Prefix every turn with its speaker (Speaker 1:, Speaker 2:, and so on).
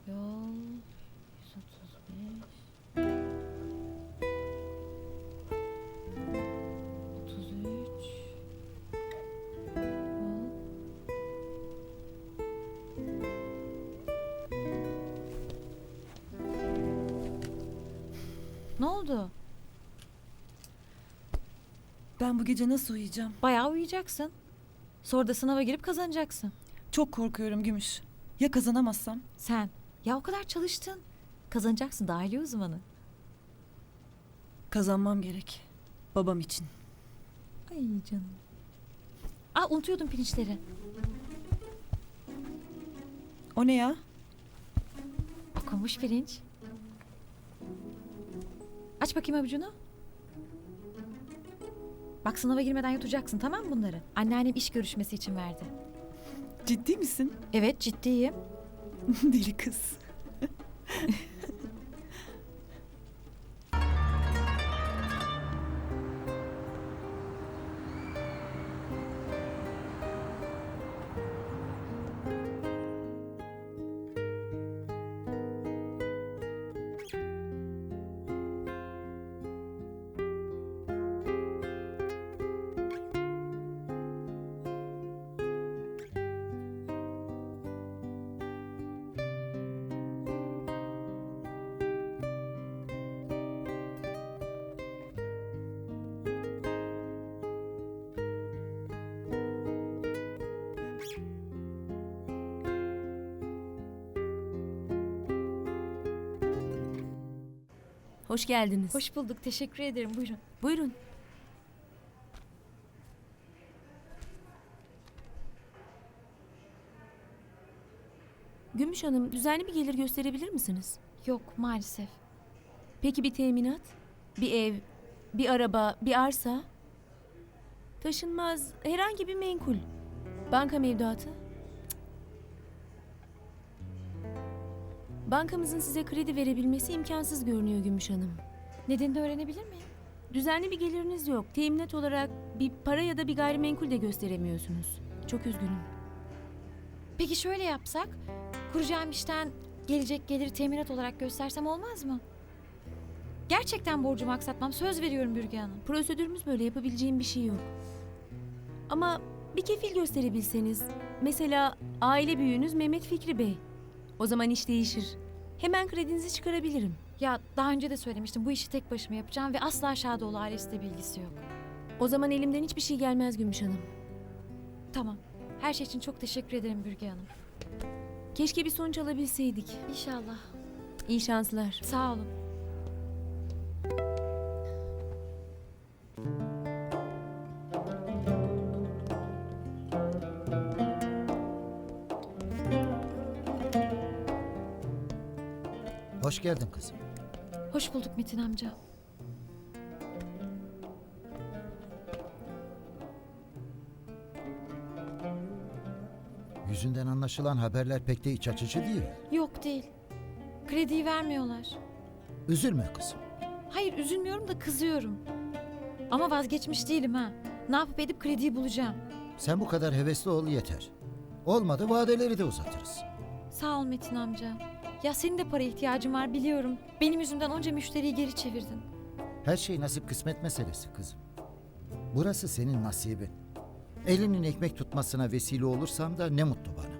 Speaker 1: Yol 135 33 Yol. Ne oldu?
Speaker 2: Ben bu gece nasıl uyuyacağım?
Speaker 1: Bayağı uyuyacaksın. Sonra da sınava girip kazanacaksın.
Speaker 2: Çok korkuyorum Gümüş. Ya kazanamazsam?
Speaker 1: Sen ya o kadar çalıştın. Kazanacaksın dahiliye uzmanı.
Speaker 2: Kazanmam gerek. Babam için.
Speaker 1: Ay canım. Aa, unutuyordum pirinçleri.
Speaker 2: O ne ya?
Speaker 1: Okunmuş pirinç. Aç bakayım avucunu. Bak sınava girmeden yutacaksın, tamam mı bunları? Anneannem iş görüşmesi için verdi.
Speaker 2: Ciddi misin?
Speaker 1: Evet, ciddiyim.
Speaker 2: Deli kız.
Speaker 3: Hoş geldiniz.
Speaker 1: Hoş bulduk, teşekkür ederim. Buyurun.
Speaker 3: Buyurun. Gümüş Hanım, düzenli bir gelir gösterebilir misiniz?
Speaker 1: Yok, maalesef.
Speaker 3: Peki bir teminat? Bir ev, bir araba, bir arsa? Taşınmaz, herhangi bir menkul. Banka mevduatı? Cık. Bankamızın size kredi verebilmesi imkansız görünüyor Gümüş Hanım.
Speaker 1: Nedenini öğrenebilir miyim?
Speaker 3: Düzenli bir geliriniz yok. Teminat olarak bir para ya da bir gayrimenkul de gösteremiyorsunuz. Çok üzgünüm.
Speaker 1: Peki şöyle yapsak, kuracağım işten gelecek geliri teminat olarak göstersem olmaz mı? Gerçekten borcumu aksatmam, söz veriyorum Bürge Hanım.
Speaker 3: Prosedürümüz böyle, yapabileceğim bir şey yok. Ama bir kefil gösterebilseniz, mesela aile büyüğünüz Mehmet Fikri Bey. O zaman iş değişir. Hemen kredinizi çıkarabilirim.
Speaker 1: Ya daha önce de söylemiştim, bu işi tek başıma yapacağım ve asla Şadoğlu ailesiyle bilgisi yok.
Speaker 3: O zaman elimden hiçbir şey gelmez Gümüş Hanım.
Speaker 1: Tamam, her şey için çok teşekkür ederim Bürge Hanım.
Speaker 3: Keşke bir sonuç alabilseydik.
Speaker 1: İnşallah.
Speaker 3: İyi şanslar.
Speaker 1: Sağ olun.
Speaker 4: Hoş geldin kızım.
Speaker 1: Hoş bulduk Metin amca.
Speaker 4: Yüzünden anlaşılan haberler pek de iç açıcı değil.
Speaker 1: Yok değil. Krediyi vermiyorlar.
Speaker 4: Üzülme kızım.
Speaker 1: Hayır üzülmüyorum da kızıyorum. Ama vazgeçmiş değilim ha. Ne yapıp edip krediyi bulacağım.
Speaker 4: Sen bu kadar hevesli ol yeter. Olmadı vadeleri de uzatırız.
Speaker 1: Sağ ol Metin amca. Ya senin de para ihtiyacın var biliyorum. Benim yüzümden onca müşteriyi geri çevirdin.
Speaker 4: Her şey nasip kısmet meselesi kızım. Burası senin nasibin. Elinin ekmek tutmasına vesile olursam da ne mutlu bana.